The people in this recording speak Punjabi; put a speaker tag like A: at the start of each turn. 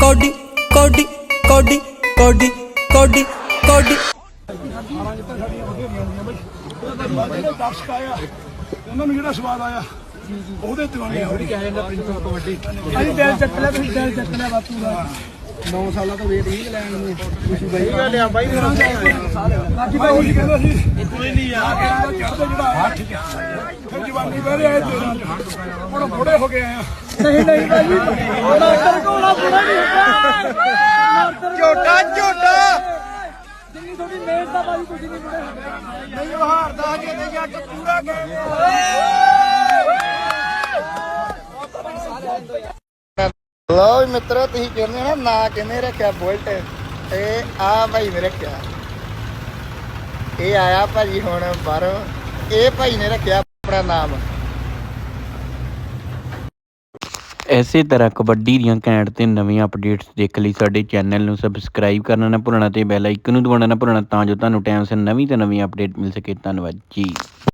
A: ਕੋਡੀ ਕੋਡੀ ਕੋਡੀ ਕੋਡੀ ਕੋਡੀ ਕੋਡੀ
B: ਦਰਸ਼ਕ ਆਇਆ ਉਹਨਾਂ ਨੂੰ ਜਿਹੜਾ ਸਵਾਦ ਆਇਆ ਉਹਦੇ ਦਿਵਾਨੇ ਹੋ ਰਹੀ ਹੈ ਕਬੱਡੀ ਅਸੀਂ ਦਿਲ ਚੱਕ ਲਿਆ ਤੁਸੀਂ ਦਿਲ ਚੱਕ ਲਿਆ ਬਾਪੂ ਦਾ 9 ਸਾਲਾਂ ਤੋਂ ਵੇਟ ਨਹੀਂ ਲੈਣ ਨੂੰ ਖੁਸ਼ੀ ਬਾਈ ਲਿਆ ਬਾਈ ਬਾਕੀ ਬਾਈ ਕਹਿੰਦਾ ਸੀ ਕੋਈ ਨਹੀਂ ਯਾਰ ਜਿਹੜਾ ਠੀਕ ਹੈ ਫਿਰ ਜਵਾਨੀ ਬਹਿ ਰਿਹਾ ਹੁਣ ਬੁੜੇ ਹੋ ਗਏ ਆ ਨਹੀਂ ਨਹੀਂ ਬਾਈ ਮਾਸਟਰ ਕੋਲਾ ਬੁੜਾ ਨਹੀਂ ਹੁੰਦਾ ਝੋਟਾ ਝੋਟਾ ਜਿੰਨੀ ਤੁਹਾਡੀ ਮਿਹਨਤ ਦਾ ਬਾਈ ਤੁਸੀਂ ਨਹੀਂ ਬੁੜੇ ਨਹੀਂ ਉਹ ਹਾਰਦਾ ਜੇ ਨਹੀਂ ਅੱਜ ਪੂਰਾ
C: ਲਓ ਮਿੱਤਰੋ ਤੁਸੀਂ ਕਹਿੰਦੇ ਹੋ ਨਾ ਕਿਹਨੇ ਰੱਖਿਆ ਬੁਲਟ ਇਹ ਆ ਭਾਈ ਨੇ ਰੱਖਿਆ ਇਹ ਆਇਆ ਭਾਜੀ ਹੁਣ ਬਾਹਰੋਂ ਇਹ ਭਾਈ ਨੇ ਰੱਖਿਆ ਆਪਣਾ ਨਾਮ
D: ਇਸੇ ਤਰ੍ਹਾਂ ਕਬੱਡੀ ਦੀਆਂ ਘੈਂਟ ਤੇ ਨਵੀਆਂ ਅਪਡੇਟਸ ਦੇਖਣ ਲਈ ਸਾਡੇ ਚੈਨਲ ਨੂੰ ਸਬਸਕ੍ਰਾਈਬ ਕਰਨਾ ਨਾ ਭੁੱਲਣਾ ਤੇ ਬੈਲ ਆਈਕਨ ਨੂੰ ਦਬਾਉਣਾ ਨਾ ਭੁੱਲਣਾ ਤਾਂ ਜੋ ਤੁਹਾਨੂੰ ਟਾਈਮ ਸਿਰ ਨਵੀਂ ਤੋਂ ਨਵੀਂ ਅਪਡੇਟ ਮਿਲ ਸਕੇ। ਧੰਨਵਾਦ ਜੀ।